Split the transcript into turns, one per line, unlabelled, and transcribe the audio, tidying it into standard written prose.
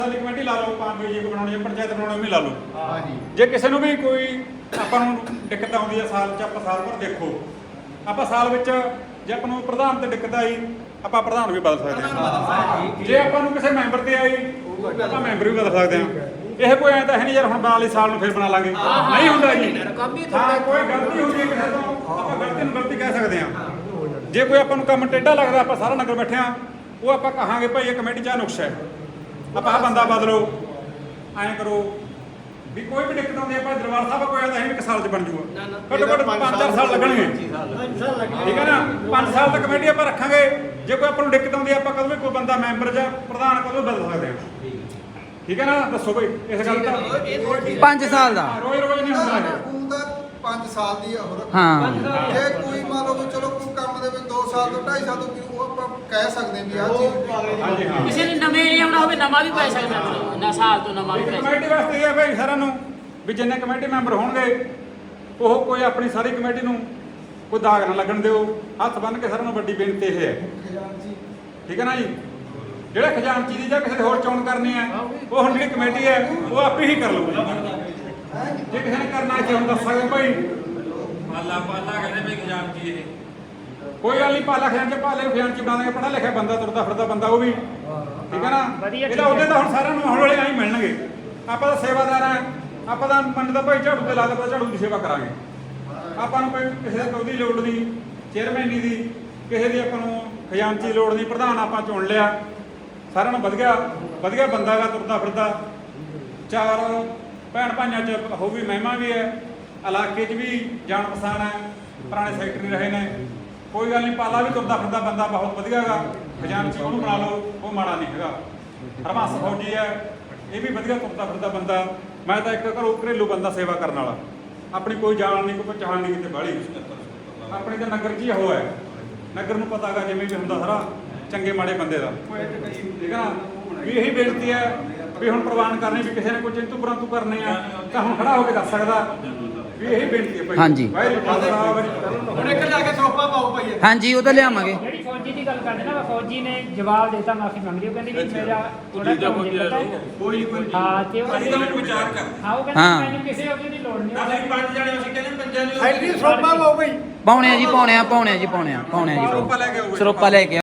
Committee ਲਾ ਲਓ, ਪੰਜ ਜੀ ਬਣਾਉਣੀ ਹੈ, ਪੰਚਾਇਤ ਬਣਾਉਣੀ ਵੀ ਲਾ ਲਓ।
ਹਾਂਜੀ।
ਜੇ ਕਿਸੇ ਨੂੰ ਵੀ ਕੋਈ ਆਪਾਂ ਨੂੰ ਦਿੱਕਤ ਆਉਂਦੀ ਹੈ ਸਾਲ 'ਚ, ਆਪਾਂ ਸਾਲ ਭਰ ਦੇਖੋ, ਆਪਾਂ ਸਾਲ ਵਿੱਚ ਜੇ ਆਪਾਂ ਨੂੰ ਪ੍ਰਧਾਨ ਤੇ ਦਿੱਕਤ ਆਈ ਆਪਾਂ ਪ੍ਰਧਾਨ ਵੀ ਬਦਲ ਸਕਦੇ ਹਾਂ। ਜੇ ਆਪਾਂ ਨੂੰ ਕਿਸੇ ਮੈਂਬਰ ਤੇ ਆਈ ਆਪਾਂ ਮੈਂਬਰ ਵੀ ਬਦਲ ਸਕਦੇ ਹਾਂ। ਇਹ ਕੋਈ ਐਂ ਤਾਂ ਹੈ ਨਹੀਂ ਯਾਰ ਹੁਣ ਬਣਾ ਲਈ ਸਾਲ ਨੂੰ ਫਿਰ ਬਣਾ ਲਾਂਗੇ, ਨਹੀਂ ਹੁੰਦਾ ਜੀ। ਹਾਂ, ਕੋਈ ਗਲਤੀ ਹੁੰਦੀ ਹੈ ਕਿਸੇ ਤੋਂ ਆਪਾਂ ਗਲਤੀ ਨੂੰ ਗਲਤੀ ਕਹਿ ਸਕਦੇ ਹਾਂ। ਜੇ ਕੋਈ ਆਪਾਂ ਨੂੰ ਕੰਮ ਟੇਢਾ ਲੱਗਦਾ, ਆਪਾਂ ਸਾਰਾ ਨਗਰ ਬੈਠੇ ਹਾਂ, ਉਹ ਆਪਾਂ ਕਹਾਂਗੇ ਭਾਈ ਇਹ ਕਮੇਟੀ 'ਚ ਆਹ ਨੁਕਸ ਹੈ, ਆਪਾਂ ਆਹ ਬੰਦਾ ਬਦਲੋ, ਐਂ ਕਰੋ ਵੀ। ਕੋਈ ਵੀ ਦਿੱਕਤ ਆਉਂਦੀ ਹੈ ਆਪਾਂ ਦਰਬਾਰ ਸਾਹਿਬ ਕੋਈ ਆਉਂਦਾ ਹੈ ਇੱਕ ਸਾਲ 'ਚ ਬਣ ਜੂਗਾ, ਘੱਟੋ ਘੱਟ 5-4 ਸਾਲ ਲੱਗਣਗੇ, ਠੀਕ ਹੈ ਨਾ। 5 ਸਾਲ ਤੱਕ ਕਮੇਟੀ ਆਪਾਂ ਰੱਖਾਂਗੇ। ਜੇ ਕੋਈ ਆਪਾਂ ਨੂੰ ਦਿੱਕਤ ਆਉਂਦੀ ਹੈ ਆਪਾਂ ਕਦੋਂ ਵੀ ਕੋਈ ਬੰਦਾ ਮੈਂਬਰ ਜਾਂ ਪ੍ਰਧਾਨ ਕਦੋਂ ਬਦਲ ਸਕਦੇ ਹਾਂ, ਠੀਕ ਹੈ ਨਾ। ਦੱਸੋ ਬਈ ਇਸ ਗੱਲ ਦਾ
5 ਸਾਲ ਦਾ
ਰੋਜ਼ ਨਹੀਂ ਹੁੰਦਾ ਹੈ।
5 ਸਾਲ ਦੀ ਆ ਹੋਰ।
ਹਾਂ।
ਜੇ ਕੋਈ ਮੰਨ ਲਓ ਚਲੋ ਕੋਈ ਕੰਮ ਦੇ ਵਿੱਚ 2 ਸਾਲ ਤੋਂ 2.5 ਸਾਲ ਤੋਂ ਉਹ ਆਪਾਂ ਕਹਿ ਸਕਦੇ ਵੀ ਆਹ ਚੀਜ਼।
ਹਾਂਜੀ ਹਾਂ।
ਕਿਸੇ ਨੇ ਨਵੇਂ ਨਹੀਂ ਆਉਣਾ ਹੋਵੇ, ਨਵਾਂ ਵੀ ਪੈ ਸਕਦਾ ਨਾ, ਸਾਲ ਤੋਂ ਨਵਾਂ ਵੀ ਪੈ ਸਕਦਾ।
ਕਮੇਟੀ ਵਾਸਤੇ ਇਹ ਹੈ ਭਾਈ ਸਾਰਿਆਂ ਨੂੰ ਵੀ ਜਿੰਨੇ ਕਮੇਟੀ ਮੈਂਬਰ ਹੋਣਗੇ ਉਹ ਕੋਈ ਆਪਣੀ ਸਾਰੀ ਕਮੇਟੀ ਨੂੰ ਕੋਈ ਦਾਗ ਨਾ ਲੱਗਣ ਦਿਓ। ਹੱਥ ਬੰਨ੍ਹ ਕੇ ਸਾਰਿਆਂ ਨੂੰ ਵੱਡੀ ਬੇਨਤੀ ਇਹ ਹੈ, ਠੀਕ ਹੈ ਨਾ ਜੀ। ਜਿਹੜੇ ਖਜ਼ਾਨਚੀ ਦੀ ਜਾਂ ਕਿਸੇ ਦੀ ਹੋਰ ਚੋਣ ਕਰਨੀ ਹੈ ਉਹ ਹੁਣ ਜਿਹੜੀ ਕਮੇਟੀ ਹੈ ਉਹ ਆਪੇ ਹੀ ਕਰ ਲਊਗੀ। ਜੇ ਕਿਸੇ ਨੇ ਕਰਨਾ ਇੱਥੇ ਹੁਣ ਦੱਸ ਸਕਦੇ ਭਾਈ
ਪਾਲਾ ਕਹਿੰਦੇ ਵੀ ਖਜ਼ਾਨਚੀ ਇਹ
ਕੋਈ ਗੱਲ ਨਹੀਂ, ਪਾਲਾ ਖਜ਼ਾਨਚੀ ਖਜ਼ਾਨਚੀ ਬਣਾ ਦੇਗੇ। ਪੜ੍ਹਾ ਲਿਖਿਆ ਬੰਦਾ, ਤੁਰਦਾ ਫਿਰਦਾ ਬੰਦਾ ਉਹ ਵੀ, ਠੀਕ ਹੈ ਨਾ। ਇਹਦਾ ਉਹਦੇ ਤਾਂ ਹੁਣ ਸਾਰਿਆਂ ਨੂੰ ਹੌਲੀ ਹੌਲੀ ਆਈ ਮਿਲਣਗੇ। ਆਪਾਂ ਤਾਂ ਸੇਵਾਦਾਰ ਆ, ਆਪਾਂ ਤਾਂ ਪਿੰਡ ਦਾ ਭਾਈ ਝਾੜੂ ਤੇ ਲਾ ਦਿੱਤਾ, ਝਾੜੂ ਦੀ ਸੇਵਾ ਕਰਾਂਗੇ। ਆਪਾਂ ਨੂੰ ਕੋਈ ਕਿਸੇ ਦੀ ਲੋੜ ਨਹੀਂ, ਚੇਅਰਮੈਨੀ ਦੀ, ਕਿਸੇ ਦੀ ਆਪਾਂ ਨੂੰ ਖਜ਼ਾਨਚੀ ਲੋੜ ਨਹੀਂ। ਪ੍ਰਧਾਨ ਆਪਾਂ ਚੁਣ ਲਿਆ, ਸਾਰਿਆਂ ਨੂੰ ਵਧੀਆ ਬੰਦਾ ਗਾ, ਤੁਰਦਾ ਫਿਰਦਾ। 4 ਭੈਣ ਭਾਈਆਂ 'ਚ ਹੋ ਵੀ ਮਹਿਮਾ ਵੀ ਹੈ, ਇਲਾਕੇ 'ਚ ਵੀ ਜਾਣ ਪਛਾਣ ਹੈ, ਪੁਰਾਣੇ ਸੈਕਟਰੀ ਰਹੇ ਨੇ। ਕੋਈ ਗੱਲ ਨਹੀਂ, ਪਾਲਾ ਵੀ ਤੁਰਦਾ ਫਿਰਦਾ ਬੰਦਾ ਬਹੁਤ ਵਧੀਆ ਗਾ। ਖਜ਼ਾਨਚੀ ਉਹਨੂੰ ਬਣਾ ਲਓ, ਉਹ ਮਾੜਾ ਨਹੀਂ ਹੈਗਾ। ਹਰਬੰਸ ਫੌਜੀ ਹੈ, ਇਹ ਵੀ ਵਧੀਆ ਤੁਰਦਾ ਫਿਰਦਾ ਬੰਦਾ। ਮੈਂ ਤਾਂ ਇੱਕ ਘਰੇਲੂ ਬੰਦਾ ਸੇਵਾ ਕਰਨ ਵਾਲਾ, ਆਪਣੀ ਕੋਈ ਜਾਣ ਨਹੀਂ, ਕੋਈ ਪਛਾਣ ਨਹੀਂ ਕਿਤੇ ਬਾਹਲੀ। ਆਪਣੇ ਤਾਂ ਨਗਰ 'ਚ ਹੀ ਉਹ ਹੈ, ਨਗਰ ਨੂੰ ਪਤਾ ਗਾ ਜਿਵੇਂ ਵੀ ਹੁੰਦਾ ਸਾਰਾ ਚੰਗੇ ਮਾੜੇ ਬੰਦੇ ਦਾ, ਠੀਕ ਹੈ ਨਾ। ਵੀ ਇਹੀ ਬੇਨਤੀ ਹੈ ਵੀ ਹੁਣ ਪ੍ਰਵਾਨ ਕਰਨੀ ਵੀ ਕਿਸੇ ਨੇ ਕੋਈ ਚਿੰਤੂ ਪਰੰਤੂ ਕਰਨੇ ਆ ਤਾਂ ਹੁਣ ਖੜਾ ਹੋ ਕੇ ਦੱਸ ਸਕਦਾ ਵੀ ਇਹੀ ਬੇਨਤੀ ਹੈ ਭਾਈ।
ਹਾਂਜੀ।
ਹੁਣ ਇੱਕ ਜਾ ਕੇ ਸੋਪਾ ਪਾਓ ਭਾਈ।
ਹਾਂਜੀ, ਉਹ ਤਾਂ ਲਿਆਵਾਂਗੇ।
ਜਿਹੜੀ ਫੌਜੀ ਦੀ ਗੱਲ ਕਰਦੇ ਨਾ, ਫੌਜੀ ਨੇ ਜਵਾਬ ਦਿੱਤਾ, ਮਾਫੀ ਮੰਗਦੀ। ਉਹ ਕਹਿੰਦੀ ਵੀ ਮੇਰਾ ਥੋੜਾ ਕੰਮ ਦਿੱਕਤ ਹੈ। ਹਾਂ, ਤੇ ਉਹ
ਅਸੀਂ ਤਾਂ ਮੈਨੂੰ ਵਿਚਾਰ ਕਰ
ਹਾਂ, ਉਹ ਕਹਿੰਦੀ ਮੈਨੂੰ ਕਿਸੇ ਉਹਦੀ ਦੀ ਲੋੜ ਨਹੀਂ।
ਅਸੀਂ 5 ਜਣੇ ਅਸੀਂ ਕਹਿੰਦੇ ਪੰਜਾਂ ਨੂੰ
ਸਾਈਡ ਦੀ ਸੋਪਾ ਪਾਓ ਭਾਈ।
ਪਾਉਣੇ ਆ ਜੀ, ਪਾਉਣੇ ਆ ਜੀ, ਪਾਉਣੇ ਆ ਜੀ।
ਸਰੋਪਾ ਲੈ ਕੇ ਆਓ।
ਸਰੋਪਾ ਲੈ ਕੇ